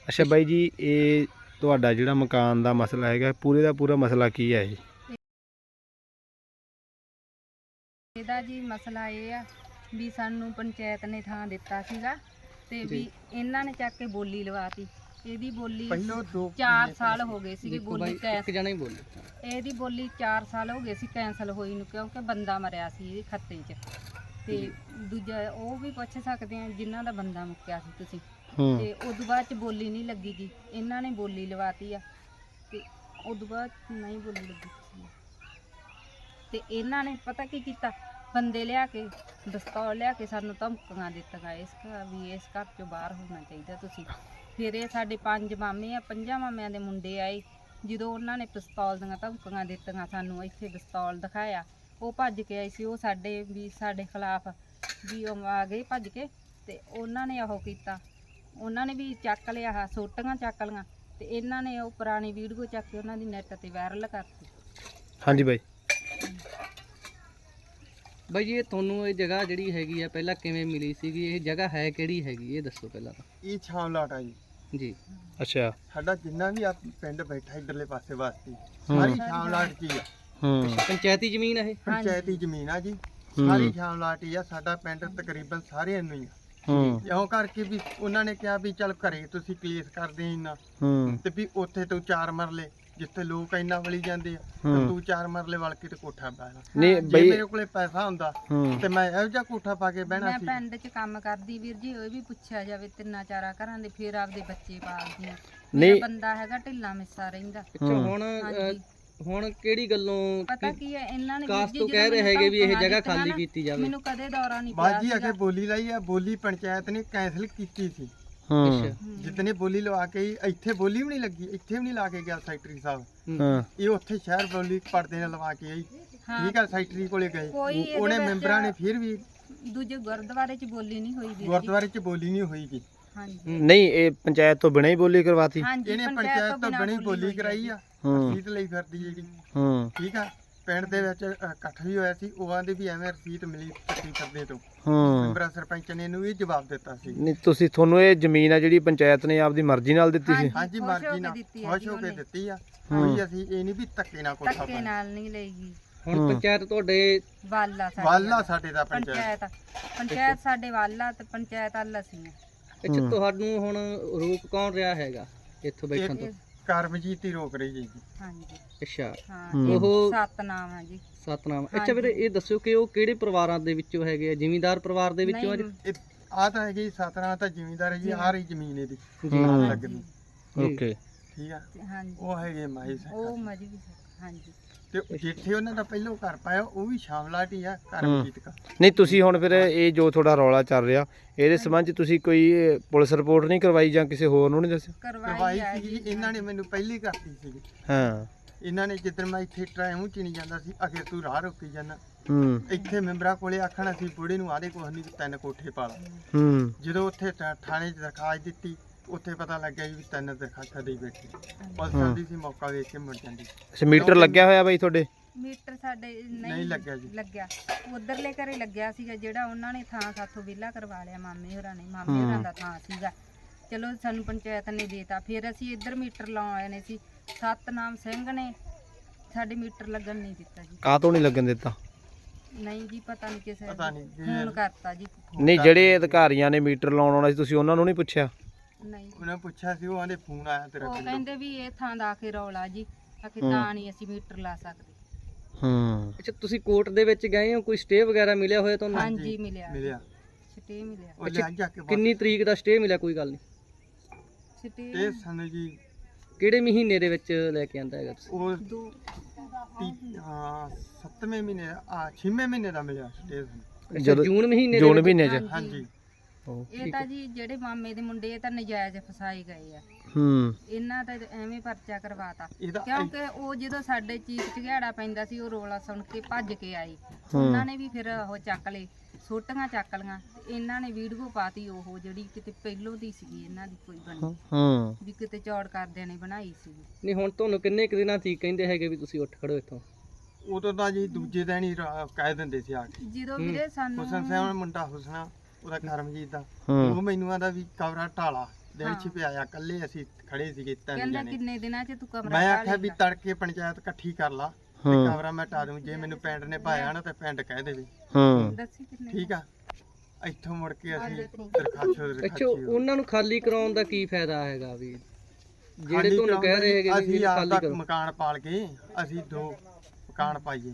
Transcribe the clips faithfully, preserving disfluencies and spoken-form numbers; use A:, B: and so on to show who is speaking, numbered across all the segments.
A: ਅੱਛਾ ਬਾਈ ਜੀ, ਇਹ ਤੁਹਾਡਾ ਜਿਹੜਾ ਮਕਾਨ ਦਾ ਮਸਲਾ ਹੈਗਾ, ਪੂਰੇ ਦਾ ਪੂਰਾ ਮਸਲਾ ਕੀ ਹੈ ਇਹ?
B: ਇਹਦਾ ਜੀ ਮਸਲਾ ਇਹ ਆ ਵੀ ਸਾਨੂੰ ਪੰਚਾਇਤ ਨੇ ਥਾਂ ਦਿੱਤਾ ਸੀਗਾ ਤੇ ਵੀ ਇਹਨਾਂ ਨੇ ਚੱਕ ਕੇ ਬੋਲੀ ਲਵਾਤੀ। ਇਹਦੀ ਬੋਲੀ ਚਾਰ ਸਾਲ ਹੋ ਗਏ ਸੀ ਬੋਲੀ ਕੈਂਸਲ ਜਣਾ ਹੀ ਬੋਲੀ ਇਹਦੀ ਬੋਲੀ ਚਾਰ ਸਾਲ ਹੋ ਗਏ ਸੀ ਕੈਂਸਲ ਹੋਈ ਨੂੰ, ਕਿਉਂਕਿ ਬੰਦਾ ਮਰਿਆ ਸੀ ਇਹਦੇ ਖੱਤੇ 'ਚ। ਤੇ ਦੂਜਾ ਉਹ ਵੀ ਪੁੱਛ ਸਕਦੇ ਆ ਜਿਨ੍ਹਾਂ ਦਾ ਬੰਦਾ ਮੁੱਕਿਆ ਸੀ ਤੁਸੀਂ। ਤੇ ਉਦੋਂ ਬਾਅਦ ਚ ਬੋਲੀ ਨਹੀਂ ਲੱਗੀ ਗੀ, ਇਹਨਾਂ ਨੇ ਬੋਲੀ ਲਵਾਤੀ ਆ ਤੇ ਉਦੋਂ ਬਾਅਦ ਨਹੀਂ ਬੋਲੀ ਲੱਗੀ ਸੀ। ਤੇ ਇਹਨਾਂ ਨੇ ਪਤਾ ਕੀ ਕੀਤਾ, ਬੰਦੇ ਲਿਆ ਕੇ ਦਸਤੌਰ ਲਿਆ ਕੇ ਸਾਨੂੰ ਧਮਕੀਆਂ ਦਿੱਤੀਆਂ ਇਸ ਘਰ ਵੀ ਇਸ ਘਰ ਚੋਂ ਬਾਹਰ ਹੋਣਾ ਚਾਹੀਦਾ ਤੁਸੀਂ। ਫਿਰ ਇਹ ਸਾਡੇ ਪੰਜ ਮਾਮੇ ਆ, ਪੰਜਾਂ ਮਾਮਿਆਂ ਦੇ ਮੁੰਡੇ ਆਏ, ਜਦੋਂ ਉਹਨਾਂ ਨੇ ਪਿਸਤੌਲ ਦੀਆਂ ਧਮਕੀਆਂ ਦਿੱਤੀਆਂ ਸਾਨੂੰ, ਇੱਥੇ ਪਿਸਤੌਲ ਦਿਖਾਇਆ, ਉਹ ਭੱਜ ਕੇ ਆਏ ਸੀ। ਉਹ ਸਾਡੇ ਵੀ ਸਾਡੇ ਖਿਲਾਫ ਵੀ ਉਹ ਆ ਗਏ ਭੱਜ ਕੇ ਤੇ ਉਹਨਾਂ ਨੇ ਉਹ ਕੀਤਾ, ਉਹਨਾਂ ਨੇ ਵੀ ਚੱਕ ਲਿਆ ਆਹ ਸੋਟੀਆਂ ਚੱਕ ਲਈਆਂ ਤੇ ਇਹਨਾਂ ਨੇ ਉਹ ਪੁਰਾਣੀ ਵੀਡੀਓ ਚੱਕ ਕੇ ਉਹਨਾਂ ਦੀ ਨੈੱਟ ਤੇ ਵਾਇਰਲ ਕਰਤੀ।
A: ਹਾਂਜੀ ਬਾਈ।
C: ਬਾਈ ਜੀ, ਇਹ ਤੁਹਾਨੂੰ ਇਹ ਜਗ੍ਹਾ ਜਿਹੜੀ ਹੈਗੀ ਆ ਪਹਿਲਾਂ ਕਿਵੇਂ ਮਿਲੀ ਸੀਗੀ? ਇਹ ਜਗ੍ਹਾ ਹੈ ਕਿਹੜੀ ਹੈਗੀ ਇਹ ਦੱਸੋ ਪਹਿਲਾਂ ਤਾਂ।
D: ਇਹ ਛਾਮਲਾਟ ਆ ਜੀ
C: ਜੀ।
A: ਅੱਛਾ,
D: ਸਾਡਾ ਜਿੰਨਾ ਵੀ ਆ ਪਿੰਡ ਬੈਠਾ ਇਧਰਲੇ ਪਾਸੇ ਵਾਸਤੇ ਸਾਰੀ ਛਾਮਲਾਟ ਕੀ ਆ।
A: ਹੂੰ,
C: ਪੰਚਾਇਤੀ ਜ਼ਮੀਨ ਆ ਇਹ?
D: ਪੰਚਾਇਤੀ ਜ਼ਮੀਨ ਆ ਜੀ, ਸਾਰੀ ਛਾਮਲਾਟ ਹੀ ਆ। ਸਾਡਾ ਪਿੰਡ ਤਕਰੀਬਨ ਸਾਰਿਆਂ ਨੂੰ ਹੀ ਆ।
A: ਹੂੰ,
D: ਇਉਂ ਕਰਕੇ ਵੀ ਉਹਨਾਂ ਨੇ ਕਿਹਾ ਵੀ ਚੱਲ ਘਰੇ ਤੁਸੀਂ ਕੇਸ ਕਰਦੇ ਇੰਨਾ
A: ਹੂੰ,
D: ਤੇ ਵੀ ਉੱਥੇ ਤੂੰ ਚਾਰ ਮਰਲੇ ਜਿੱਥੇ ਲੋਕ ਇੰਨਾ ਵਲੀ ਜਾਂਦੇ ਆ ਤੇ ਤੂੰ ਚਾਰ ਮਰਲੇ ਵਲ ਕੇ ਤੇ ਕੋਠਾ ਪਾ ਲੈ।
A: ਨਹੀਂ
D: ਜੇ
A: ਬਈ।
D: ਮੇਰੇ ਕੋਲੇ ਪੈਸਾ ਹੁੰਦਾ ਤੇ ਮੈਂ ਇਹੋ ਜਿਹਾ ਕੋਠਾ ਪਾ ਕੇ ਬਹਿਣਾ
B: ਮੈਂ
D: ਸੀ।
B: ਪਿੰਡ 'ਚ ਕੰਮ ਕਰਦੀ ਵੀਰ ਜੀ, ਉਹ ਵੀ ਪੁੱਛਿਆ ਜਾਵੇ ਤਿੰਨਾਂ ਚਾਰਾਂ ਘਰਾਂ ਦੇ, ਫਿਰ ਆਪਦੇ ਬੱਚੇ ਪਾਲਦੀਆਂ।
A: ਨਹੀਂ।
B: ਮੇਰਾ ਬੰਦਾ ਹੈਗਾ ਢਿੱਲਾ ਮਿੱਸਾ ਰਹਿੰਦਾ।
C: ਅੱਛਾ, ਹੁਣ
B: ਹਾਂਜੀ।
C: ਹੁਣ ਕਿਹੜੀ ਗੱਲੋਂ
B: ਪਤਾ ਕੀ ਹੈ, ਇਹਨਾਂ ਨੇ
C: ਕਾਸ
B: ਵੀਰ ਜੀ
C: ਤੋਂ
B: ਜਦੋਂ
C: ਕਹਿ ਰਹੇ
B: ਮੈਨੂੰ
C: ਹੈਗੇ ਵੀ ਇਹ
B: ਧਮਕੀਆਂ
C: ਜਗ੍ਹਾ
B: ਦਿੱਤੀਆਂ
C: ਖਾਲੀ
B: ਨਾ,
C: ਕੀਤੀ ਜਾਵੇ?
B: ਮੈਨੂੰ ਕਦੇ ਦੌਰਾ ਨਹੀਂ ਪਿਆ
D: ਬਾਜੀ
B: ਸੀਗਾ।
D: ਅਗੇ ਬੋਲੀ ਲਾਈ ਆ, ਬੋਲੀ ਪੰਚਾਇਤ ਨੇ ਕੈਂਸਲ ਕੀਤੀ ਸੀ।
A: ਹੂੰ,
D: ਜਿਤਨੇ ਬੋਲੀ ਲਵਾ ਕੇ ਆਈ, ਇੱਥੇ ਬੋਲੀ ਵੀ ਨਹੀਂ ਲੱਗੀ, ਇੱਥੇ ਵੀ ਨਹੀਂ ਲਾ ਕੇ ਗਿਆ ਸੈਕਟਰੀ ਸਾਹਿਬ।
A: ਹਾਂ,
D: ਇਹ ਉੱਥੇ ਸ਼ਹਿਰ ਬੋਲੀ ਪਰਦੇ ਨਾਲ ਲਵਾ ਕੇ ਆਈ।
B: ਹਾਂ।
D: ਠੀਕ ਆ, ਸੈਕਟਰੀ ਕੋਲੇ ਗਏ,
B: ਕੋਈ ਇਹਦੇ
D: ਉਹਨੇ
B: ਵਿੱਚ
D: ਮੈਂਬਰਾਂ ਨੇ ਫਿਰ ਵੀ
B: ਦੂਜੇ ਗੁਰਦੁਆਰੇ 'ਚ ਬੋਲੀ ਨਹੀਂ ਹੋਈ ਵੀਰ ਜੀ।
D: ਗੁਰਦੁਆਰੇ 'ਚ ਬੋਲੀ ਨਹੀਂ ਹੋਈਗੀ।
B: ਹਾਂਜੀ
A: ਨਹੀਂ ਇਹ ਪੰਚਾਇਤ ਤੋਂ ਬਿਨਾਂ ਹੀ ਬੋਲੀ ਕਰਵਾਤੀ।
B: ਹਾਂਜੀ,
D: ਇਹਨੇ ਪੰਚਾਇਤ ਤੋਂ
B: ਬਿਨਾਂ
D: ਬਣੀ ਬੋਲੀ
B: ਹੋਈ
D: ਕਰਾਈ ਆ,
A: ਹੂੰ।
D: ਰਸੀਦ ਲਈ ਫਿਰਦੀ ਜਿਹੜੀ।
A: ਹੂੰ,
D: ਠੀਕ ਆ, ਪਿੰਡ ਦੇ ਵਿੱਚ ਅ, ਇਕੱਠ ਵੀ ਹੋਇਆ ਸੀ, ਉਹਾਂ ਦੇ ਵੀ ਐਵੇਂ ਰਸੀਦ ਮਿਲੀ ਚੱਕੀ ਫਿਰਦੇ ਤੋਂ।
A: ਹੂੰ।
D: ਮੈਂਬਰਾਂ ਸਰਪੰਚ ਨੇ ਇਹਨੂੰ ਇਹ ਜਵਾਬ ਦਿੱਤਾ ਸੀ।
A: ਨਹੀਂ ਤੁਸੀਂ, ਤੁਹਾਨੂੰ ਇਹ ਜ਼ਮੀਨ ਆ ਜਿਹੜੀ ਪੰਚਾਇਤ ਨੇ ਆਪਦੀ ਮਰਜ਼ੀ ਨਾਲ ਦਿੱਤੀ ਸੀ?
D: ਹਾਂਜੀ,
B: ਖੁਸ਼ ਹੋ
D: ਮਰਜ਼ੀ
B: ਕੇ
D: ਨਾਲ
B: ਦਿੱਤੀ ਆ
D: ਖੁਸ਼
B: ਜੀ
D: ਹੋ ਕੇ
B: ਉਹਨੇ।
D: ਦਿੱਤੀ ਆ। ਕੋਈ ਅਸੀਂ ਇਹ ਨਹੀਂ ਵੀ ਧੱਕੇ ਨਾਲ ਕੋਠਾ
B: ਧੱਕੇ
D: ਪਾਇਆ।
B: ਨਾਲ ਨਹੀਂ ਲਈਗੀ।
C: ਹੁਣ ਪੰਚਾਇਤ ਤੁਹਾਡੇ
B: ਵਾਲਾ ਸਾਡੇ
D: ਵਾਲਾ ਸਾਡੇ ਦਾ ਪੰਚਾਇਤ।
B: ਪੰਚਾਇਤ ਪੰਚਾਇਤ ਸਾਡੇ ਵਾਲਾ ਤੇ ਪੰਚਾਇਤ ਵੱਲ ਅਸੀਂ ਆ।
C: ਅੱਛਾ, ਤੁਹਾਨੂੰ ਹੁਣ ਰੋਕ ਕੌਣ ਰਿਹਾ ਹੈਗਾ ਇੱਥੋਂ ਬੈਠਣ ਤੋਂ?
D: ਕਰਮਜੀਤ ਹੀ ਰੋਕ ਰਹੀ ਜੀ।
B: ਹਾਂਜੀ
C: ਅੱਛਾ,
B: ਹਾਂ,
A: ਹੂੰ।
B: ਇਹ
C: ਉਹ
B: ਸਤਨਾਮ ਆ ਜੀ।
C: ਸਤਨਾਮ। ਅੱਛਾ ਵੀਰੇ, ਇਹ ਦੱਸਿਓ ਕਿ ਉਹ ਕਿਹੜੇ ਪਰਿਵਾਰਾਂ ਦੇ ਵਿੱਚੋਂ ਹੈਗੇ ਆ? ਜ਼ਿਮੀਂਦਾਰ ਪਰਿਵਾਰ ਦੇ ਵਿੱਚੋਂ ਆ ਜੀ?
B: ਨਹੀਂ,
D: ਆ ਤਾਂ ਹੈਗੀ ਸਤਰਾਂ ਤਾਂ ਜ਼ਿਮੀਂਦਾਰ ਹੈ ਜੀ, ਆ ਰਹੀ ਜ਼ਮੀਨ ਇਹਦੀ
A: ਹੂੰ।
D: ਲੱਗਦੀ।
A: ਓਕੇ।
D: ਠੀਕ ਆ,
B: ਹਾਂਜੀ
D: ਉਹ ਹੈਗੇ ਮਾਈ ਸਾਹਿਬ।
B: ਉਹ ਮਜਬੀ ਹਾਂਜੀ।
D: ਤੇ ਜਿੱਥੇ ਉਹਨਾਂ ਦਾ ਪਹਿਲੋਂ ਘਰ ਪਾਇਆ ਉਹ ਵੀ ਸ਼ਾਮਲਾਟ ਹੀ ਆ ਕਰਮਜੀਤ ਦਾ।
A: ਨਹੀਂ ਤੁਸੀਂ ਹੁਣ ਫਿਰ ਇਹ ਜੋ ਤੁਹਾਡਾ ਰੌਲਾ ਚੱਲ ਰਿਹਾ, ਇਹਦੇ ਸੰਬੰਧ 'ਚ ਤੁਸੀਂ ਕੋਈ ਪੁਲਿਸ ਰਿਪੋਰਟ ਨਹੀਂ ਕਰਵਾਈ ਜਾਂ ਕਿਸੇ ਹੋਰ ਨੂੰ ਨਹੀਂ ਦੱਸਿਆ?
B: ਕਰਵਾਈ
D: ਕਰਵਾਈ
B: ਆ
D: ਸੀ
B: ਜੀ।
D: ਇਹਨਾਂ ਨੇ ਮੈਨੂੰ ਪਹਿਲੀ ਕਰਤੀ ਸੀ।
A: ਹਾਂ।
D: ਇਹਨਾਂ ਨੇ ਜਿੱਦਣ ਮੈਂ ਇੱਥੇ ਟਰਾਇਮ ਚ ਨਹੀਂ ਜਾਂਦਾ ਸੀ, ਅਖੇ ਤੂੰ ਰਾਹ ਰੋਕੀ ਜਾਂਦਾ।
A: ਹੂੰ,
D: ਇੱਥੇ ਮੈਂਬਰਾਂ ਕੋਲੇ ਆਖਣਾ ਸੀ ਬੁੜੇ ਨੂੰ ਆਦੇ ਕੁਛ ਨਹੀਂ, ਤਿੰਨ ਕੋਠੇ ਪਾ ਲਾ।
A: ਹੂੰ।
D: ਜਦੋਂ ਉੱਥੇ ਥਾ- ਥਾਣੇ 'ਚ ਦਰਖਾਸਤ ਦਿੱਤੀ, ਉੱਥੇ ਪਤਾ ਲੱਗਿਆ ਵੀ ਤਿੰਨ ਦਰਖਾਸਤਾਂ ਦੇਈ ਬੈਠੀ। ਪੁਲਿਸ ਆਉਂਦੀ ਸੀ, ਮੌਕਾ ਵੇਖ ਕੇ ਮੁੜ ਜਾਂਦੀ।
A: ਅੱਛਾ, ਮੀਟਰ ਲੱਗਿਆ ਹੋਇਆ ਬਾਈ ਤੁਹਾਡੇ?
B: ਮੀਟਰ ਸਾਡੇ
D: ਨਹੀਂ
B: ਨਹੀਂ
D: ਲੱਗਿਆ ਜੀ।
B: ਲੱਗਿਆ ਉਧਰਲੇ ਘਰੇ ਲੱਗਿਆ ਸੀਗਾ, ਜਿਹੜਾ ਉਹਨਾਂ ਨੇ ਥਾਂ ਸਾਥੋਂ ਵਿਹਲਾ ਕਰਵਾ ਲਿਆ ਮਾਮੇ ਹੋਰਾਂ ਨੇ। ਮਾਮੇ ਹੋਰਾਂ ਦਾ ਥਾਂ ਸੀਗਾ, ਚਲੋ ਸਾਨੂੰ ਪੰਚਾਇਤ ਨੇ ਦੇਤਾ। ਫਿਰ ਅਸੀਂ ਇੱਧਰ ਮੀਟਰ ਲਾਉਣ ਆਏ ਨੇ ਸੀ, ਸਤਨਾਮ ਸਿੰਘ ਨੇ ਸਾਡੇ ਮੀਟਰ ਲੱਗਣ ਨਹੀਂ ਦਿੱਤਾ ਜੀ।
A: ਕਾਹ ਤੋਂ ਨਹੀਂ ਲੱਗਣ ਦਿੱਤਾ?
B: ਨਹੀਂ ਜੀ, ਪਤਾ ਨਹੀਂ ਕਿਸੇ
D: ਪਤਾ ਨਹੀਂ
B: ਫੋਨ ਕਰਤਾ ਜੀ।
A: ਨਹੀਂ ਜਿਹੜੇ ਅਧਿਕਾਰੀਆਂ ਨੇ ਮੀਟਰ ਲਾਉਣ ਆਉਣਾ ਸੀ, ਤੁਸੀਂ ਉਹਨਾਂ ਨੂੰ ਨਹੀਂ ਪੁੱਛਿਆ?
B: ਨਹੀਂ,
D: ਉਹਨੇ ਪੁੱਛਿਆ ਸੀ, ਉਹ ਆਂਦੇ ਫੋਨ ਆਇਆ ਤੇਰਾ
B: ਉਹ
D: ਪਿੰਡੋਂ।
B: ਕਹਿੰਦੇ ਵੀ ਇਹ ਥਾਂ ਦਾ ਆਖੇ ਰੌਲਾ ਜੀ, ਆਖੇ ਤਾਂ ਨਹੀਂ ਅਸੀਂ ਮੀਟਰ ਲਾ ਸਕਦੇ।
A: ਹੂੰ।
C: ਅੱਛਾ, ਤੁਸੀਂ ਕੋਰਟ ਦੇ ਵਿੱਚ ਗਏ ਹੋ? ਕੋਈ ਸਟੇ ਵਗੈਰਾ ਮਿਲਿਆ ਹੋਇਆ ਤੁਹਾਨੂੰ?
B: ਹਾਂਜੀ ਮਿਲਿਆ
D: ਮਿਲਿਆ।
B: ਛਟੇ ਮਿਲਿਆ।
D: ਉਹ ਲੈ ਜਾ ਕੇ
C: ਕਿੰਨੀ ਤਰੀਕ ਦਾ ਸਟੇ ਮਿਲਿਆ? ਕੋਈ ਗੱਲ ਨਹੀਂ।
B: ਛਟੇ
D: ਇਹ ਸਨ ਜੀ,
C: ਕਿਹੜੇ ਮਹੀਨੇ ਦੇ ਵਿੱਚ ਲੈ ਕੇ ਆਂਦਾ ਹੈਗਾ ਤੁਸੀਂ?
D: ਉਹ
B: ਦੋ
D: ਤੀ- ਹਾਂ ਸੱਤਵੇਂ ਮਹੀਨੇ ਦਾ ਆ ਛੇਵੇਂ ਮਹੀਨੇ ਦਾ ਮਿਲਿਆ ਸਟੇਜ।
C: ਅੱਛਾ,
A: ਜਦੋਂ-
C: ਜੂਨ ਮਹੀਨੇ ਦੇ
A: ਜੂਨ
C: ਵਿੱਚ?
A: ਮਹੀਨੇ 'ਚ?
B: ਹਾਂਜੀ।
D: ਹਾਂਜੀ।
B: ਇਹ ਤਾਂ ਜੀ ਜਿਹੜੇ ਮਾਮੇ ਦੇ ਮੁੰਡੇ ਇਹ ਤਾਂ ਨਜਾਇਜ਼ ਫਸਾਏ ਗਏ ਆ।
A: ਹੂੰ।
B: ਇਹਨਾਂ ਦਾ ਐਵੇਂ ਪਰਚਾ ਕਰਵਾਤਾ,
D: ਇਹਦਾ
B: ਕਿਉਂਕਿ ਉਹ ਜਦੋਂ ਸਾਡੇ ਚੀਕ ਚਿਹਾੜਾ ਪੈਂਦਾ ਸੀ, ਉਹ ਰੋਲਾ ਸੁਣ ਕੇ ਭੱਜ ਕੇ ਆਏ। ਉਹਨਾਂ ਨੇ ਵੀ ਫਿਰ ਉਹ ਚੱਕ ਲਏ, ਸੋਟੀਆਂ ਚੱਕ ਲੀਆਂ ਤੇ ਇਹਨਾਂ ਨੇ ਵੀਡੀਓ ਪਾਤੀ, ਉਹ ਜਿਹੜੀ ਕਿਤੇ ਪਹਿਲੋਂ ਦੀ ਸੀਗੀ ਇਹਨਾਂ ਦੀ ਕੋਈ ਬਣੀ
A: ਹੂੰ।
B: ਵੀ ਕਿਤੇ ਚੌੜ ਕਰਦਿਆਂ ਨੇ ਬਣਾਈ ਸੀਗੀ।
C: ਨਹੀਂ, ਹੁਣ ਤੁਹਾਨੂੰ ਕਿੰਨੇ ਕੁ ਦਿਨਾਂ ਤੀਕ ਕਹਿੰਦੇ ਹੈਗੇ ਵੀ ਤੁਸੀਂ ਉੱਠ ਖੜੋ ਇੱਥੋਂ?
D: ਉਦੋਂ ਤਾਂ ਜੀ ਦੂਜੇ ਦਿਨ ਹੀ ਰਾ- ਕਹਿ ਦਿੰਦੇ ਸੀ ਆ ਕੇ।
B: ਜਦੋਂ ਵੀਰੇ ਸਾਨੂੰ
D: ਹੁਸਨ ਸਿੰਘ ਮੁੰਡਾ ਹੁਸਨਾ, ਉਹਦਾ ਕਰਮਜੀਤ ਦਾ,
A: ਹੂੰ।
D: ਉਹ ਮੈਨੂੰ ਆਂਦਾ ਵੀ ਕਵਰਾ ਢਾਲਾ ਦਿਨ
B: ਹਾਂ।
D: ਚ ਪਿਆਇਆ ਕੱਲੇ ਅਸੀਂ ਖੜੇ ਸੀਗੇ ਤਿੰਨ
B: ਕਹਿੰਦਾ
D: ਜਣੇ
B: ਕਿੰਨੇ ਦਿਨਾਂ ਚ ਤੂੰ ਕਮਰਾ
D: ਮੈਂ
B: ਪਾ
D: ਆਖਿਆ ਵੀ
B: ਲਏਗਾ।
D: ਤੜਕੇ ਪੰਚਾਇਤ ਇਕੱਠੀ ਕਰ ਲਾ ਤੇ
A: ਹੂੰ
D: ਕਮਰਾ ਮੈਂ ਟਾ ਦੂੰ ਜੇ ਮੈਨੂੰ ਪਿੰਡ ਨੇ ਪਾਇਆ ਨਾ ਤੇ ਪਿੰਡ ਕਹਿ ਦੇਵੇ
A: ਹੂੰ
B: ਦੱਸੀ ਕਿੰਨੇ
D: ਠੀਕ ਆ ਇੱਥੋਂ ਮੁੜ ਕੇ ਅਸੀਂ ਦਰਖਾਸਤ
C: ਅੱਛਾ
D: ਦਰਖਾਸਤ
C: ਉਹਨਾਂ ਨੂੰ ਖਾਲੀ ਕਰਾਉਣ ਦਾ ਕੀ ਫਾਇਦਾ ਹੈਗਾ ਵੀ ਜਿਹੜੇ ਤੁਹਾਨੂੰ ਕਹਿ ਰਹੇ ਹੈਗੇ ਵੀ
D: ਅਸੀਂ
C: ਇਹਨੂੰ
D: ਆਪ
C: ਖਾਲੀ
D: ਦਾ
C: ਕਰੋ
D: ਮਕਾਨ ਪਾਲ ਕੇ ਅਸੀਂ ਦੋ ਮਕਾਨ ਪਾਈਏ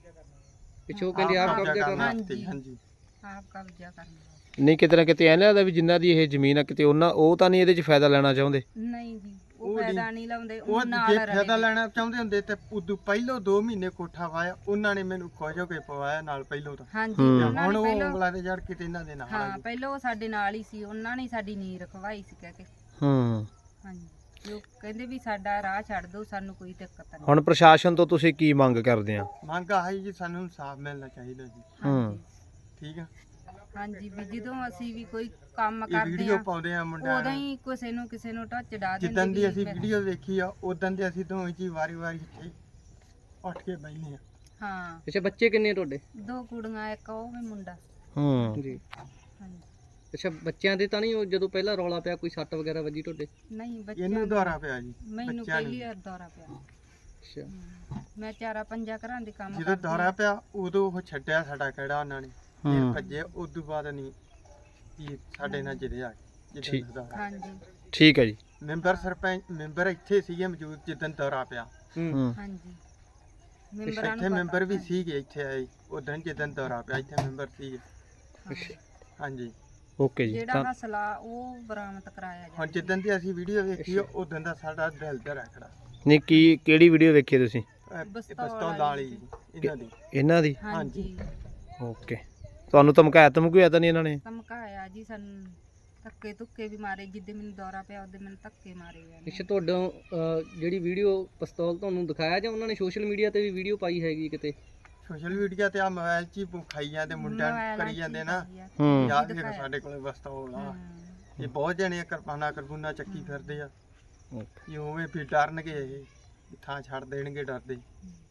C: ਪਿੱਛੋਂ ਕਹਿੰਦੇ ਆਪ
D: ਕਬਜ਼ਾ
C: ਕਬਜ਼ਾ
D: ਕਰਨ
C: ਕਰਨਾ
D: ਵਾਸਤੇ, ਹਾਂਜੀ
B: ਆਪ ਕਬਜ਼ਾ ਕਰਨਾ।
A: ਨਹੀਂ ਕਿਤੇ ਨਾ ਕਿਤੇ ਐਂ ਲੱਗਦਾ ਵੀ ਜਿਨ੍ਹਾਂ ਦੀ ਇਹ ਜ਼ਮੀਨ ਆ ਕਿਤੇ ਉਹਨਾਂ ਉਹ ਤਾਂ ਨਹੀਂ ਇਹਦੇ 'ਚ ਫਾਇਦਾ ਲੈਣਾ ਚਾਹੁੰਦੇ।
B: ਨਹੀਂ ਜੀ ਉਹ
D: ਉਹ
B: ਫਾਇਦਾ
D: ਨਹੀਂ-
B: ਨਹੀਂ ਲਾਉਂਦੇ
D: ਉਹ
B: ਉਹ ਨਾਲ
D: ਜੇ ਫਾਇਦਾ
B: ਰਲੇ
D: ਲੈਣਾ ਚਾਹੁੰਦੇ ਹੁੰਦੇ ਤੇ ਉਦੋਂ ਪਹਿਲੋਂ ਦੋ ਮਹੀਨੇ ਕੋਠਾ ਵਾਇਆ ਉਹਨਾਂ ਨੇ ਮੈਨੂੰ ਖੁਸ਼ ਹੋ ਕੇ ਪਵਾਇਆ ਨਾਲ ਪਹਿਲੋਂ ਤਾਂ
B: ਹਾਂਜੀ
A: ਹੂੰ।
B: ਉਹਨਾਂ
D: ਹੁਣ
B: ਨੇ
D: ਉਹ
B: ਪਹਿਲਾਂ
D: ਉਂਗਲਾਂ ਤੇ ਜੜ ਕਿਤੇ ਇਹਨਾਂ ਦੇ ਨਾਲ ਆ
B: ਹਾਂ
D: ਗਏ।
B: ਪਹਿਲਾਂ ਉਹ ਸਾਡੇ ਨਾਲ ਹੀ ਸੀ ਉਹਨਾਂ ਨੇ ਸਾਡੀ ਨੀਂਹ ਰਖਵਾਈ ਸੀ ਕਹਿ ਕੇ
A: ਹੂੰ
B: ਹਾਂਜੀ ਜੋ ਕਹਿੰਦੇ ਵੀ ਸਾਡਾ ਰਾਹ ਛੱਡ ਦਿਓ ਸਾਨੂੰ ਕੋਈ ਦਿੱਕਤ ਨਹੀਂ।
A: ਹੁਣ ਪ੍ਰਸ਼ਾਸਨ ਤੋਂ ਤੁਸੀਂ ਕੀ ਮੰਗ ਕਰਦੇ ਆ?
D: ਮੰਗ ਆਹੀ ਜੀ ਸਾਨੂੰ ਇਨਸਾਫ ਮਿਲਣਾ ਚਾਹੀਦਾ ਜੀ
A: ਹੂੰ।
D: ਠੀਕ ਆ
B: ਹਾਂਜੀ ਵੀ ਜਦੋਂ ਅਸੀਂ ਵੀ ਕੋਈ ਕੰਮ
D: ਇਹ
B: ਕਰਦੇ
D: ਵੀਡੀਓ
B: ਆ
D: ਪਾਉਂਦੇ ਆ ਮੁੰਡਿਆਂ
B: ਉਦੋਂ
D: ਨੂੰ
B: ਹੀ ਕਿਸੇ ਨੂੰ ਕਿਸੇ ਨੂੰ ਟੱਚ ਡਾ ਦਿੰਦੇ
D: ਜਿੱਦਾਂ ਦੀ
B: ਵੀ
D: ਅਸੀਂ
B: ਫਿਰ-
D: ਵੀਡੀਓ ਵੇਖੀ ਆ ਉਦੋਂ ਦੇ ਅਸੀਂ ਦੋਵੇਂ ਜੀ ਵਾਰੀ-ਵਾਰੀ ਇੱਥੇ ਉੱਠ ਕੇ ਬੈਠੇ ਆ
B: ਹਾਂ
C: ਅੱਛਾ ਬੱਚੇ ਕਿੰਨੇ ਤੁਹਾਡੇ
B: ਦੋ ਕੁੜੀਆਂ ਇੱਕ ਉਹ ਵੀ ਮੁੰਡਾ
A: ਹੂੰ
C: ਜੀ
B: ਹਾਂਜੀ
C: ਅੱਛਾ ਬੱਚਿਆਂ ਦੇ ਤਾਂ ਨਹੀਂ ਉਹ ਜਦੋਂ ਪਹਿਲਾਂ ਰੌਲਾ ਪਿਆ ਕੋਈ ਸੱਟ ਵਗੈਰਾ ਵੱਜੀ ਤੁਹਾਡੇ
B: ਨਹੀਂ ਬੱਚਿਆਂ
D: ਇਹਨੂੰ
B: ਨੂੰ-
D: ਦੁਆਰਾ ਪਿਆ ਜੀ
B: ਮੈਨੂੰ
D: ਬੱਚਿਆਂ ਨੂੰ।
B: ਪਹਿਲੀ ਵਾਰ ਦੌਰਾ ਪਿਆ
C: ਅੱਛਾ
B: ਹਮ, ਮੈਂ ਚਾਰਾ ਪੰਜਾ ਘਰਾਂ ਦੇ ਕੰਮ
D: ਜਦੋਂ
B: ਕਰਦੀ
D: ਦੌਰਾ
B: ਹਾਂ।
D: ਪਿਆ ਉਦੋਂ ਉਹ ਛੱਡਿਆ ਸਾਡਾ ਕਿਹੜਾ ਉਹਨਾਂ ਨੇ ਫਿਰ
A: ਹੂੰ
D: ਭੱਜੇ ਉਦੋਂ ਬਾਅਦ ਨਹੀਂ ਵੀ ਸਾਡੇ ਨਾਲ ਜਿਹੜੇ ਆ ਗਏ
A: ਠੀਕ।
D: ਜਿੱਦਾਂ ਦੌਰਾ
B: ਹਾਂਜੀ
A: ਠੀਕ ਹੈ ਜੀ।
D: ਮੈਂਬਰ ਸਰਪੰਚ ਮੈਂਬਰ ਇੱਥੇ ਸੀਗੇ ਮੌਜੂਦ ਜਿੱਦਾਂ ਦੌਰਾ ਪਿਆ
C: ਹੂੰ
A: ਹੂੰ
B: ਹਾਂਜੀ ਮੈਂਬਰਾਂ
D: ਇੱਥੇ
B: ਨੂੰ
D: ਮੈਂਬਰ ਵੀ
B: ਪਤਾ।
D: ਸੀਗੇ ਇੱਥੇ ਆਏ ਉਦੋਂ ਜਿੱਦਾਂ ਦੌਰਾ ਪਿਆ ਇੱਥੇ ਮੈਂਬਰ ਸੀਗੇ
B: ਹਾਂ।
D: ਹਾਂਜੀ
A: ਓਕੇ ਜੀ।
B: ਜਿਹੜਾ
A: ਤਾਂ
B: ਹਸਲਾ ਉਹ ਬਰਾਮਦ ਕਰਾਇਆ
D: ਹੁਣ
B: ਜਾਵੇ
D: ਜਿੱਦਾਂ ਦੀ ਅਸੀਂ ਵੀਡੀਓ ਵੇਖੀ ਆ ਉਦੋਂ ਦਾ ਸਾਡਾ ਦਿਲ ਤੇ ਰੱਖੜਾ
A: ਨਹੀਂ ਕੀ ਕਿਹੜੀ ਵੀਡੀਓ ਵੇਖੀ ਤੁਸੀਂ?
B: ਬਸਤੌਲ
D: ਬਸਤੌਲ
B: ਵਾਲੀ
D: ਵਾਲੀ ਇਹਨਾਂ ਦੀ
A: ਇਹਨਾਂ ਦੀ?
B: ਹਾਂਜੀ
A: ਓਕੇ। ਤੁਹਾਨੂੰ ਧਮਕਾਇਆ ਧਮਕਾਇਆ ਤਾਂ ਨਹੀਂ ਇਹਨਾਂ ਨੇ?
B: ਧਮਕਾਇਆ ਜੀ ਸਾਨੂੰ ਧੱਕੇ ਧੁੱਕੇ ਵੀ ਮਾਰੇ ਜਿੱਦੇ ਮੈਨੂੰ ਦੌਰਾ ਪਿਆ ਉਹਦੇ ਮੈਨੂੰ ਧੱਕੇ ਮਾਰੇ ਆ
C: ਅੱਛਾ ਤੁਹਾਡਾ ਅਹ, ਜਿਹੜੀ ਵੀਡੀਓ ਪਿਸਤੌਲ ਤੁਹਾਨੂੰ ਦਿਖਾਇਆ ਜਾਂ ਉਹਨਾਂ ਨੇ ਸੋਸ਼ਲ ਮੀਡੀਆ ਤੇ ਵੀ ਵੀਡੀਓ ਪਾਈ ਹੈਗੀ ਕਿਤੇ?
D: ਸੋਸ਼ਲ ਮੀਡੀਆ ਤੇ ਆ ਮੋਬਾਈਲ 'ਚ ਹੀ ਖਾਈ ਜਾਂਦੇ ਮੁੰਡਿਆਂ ਨੂੰ
B: ਮੋਬਾਇਲਾਂ
D: ਕਰੀ
B: ਚ
D: ਜਾਂਦੇ
B: ਹੀ
D: ਨਾ
B: ਪਾਈ ਆ।
A: ਹੂੰ
D: ਯਾਦ ਵੀ
B: ਦਿਖਾਇਆ।
D: ਸਾਡੇ ਕੋਲੇ ਬਸਤੌਲ ਆ
B: ਹਮ।
D: ਇਹ ਬਹੁਤ ਜਣੇ ਕਿਰਪਾਨਾ ਕਰਬੂਨਾ ਚੱਕੀ ਫਿਰਦੇ ਆ
A: ਓਕੇ।
D: ਇਹ ਉਵੇਂ ਵੀ ਡਰਨਗੇ ਇਹ ਵੀ ਥਾਂ ਛੱਡ ਦੇਣਗੇ ਡਰਦੇ
B: ਹਮ।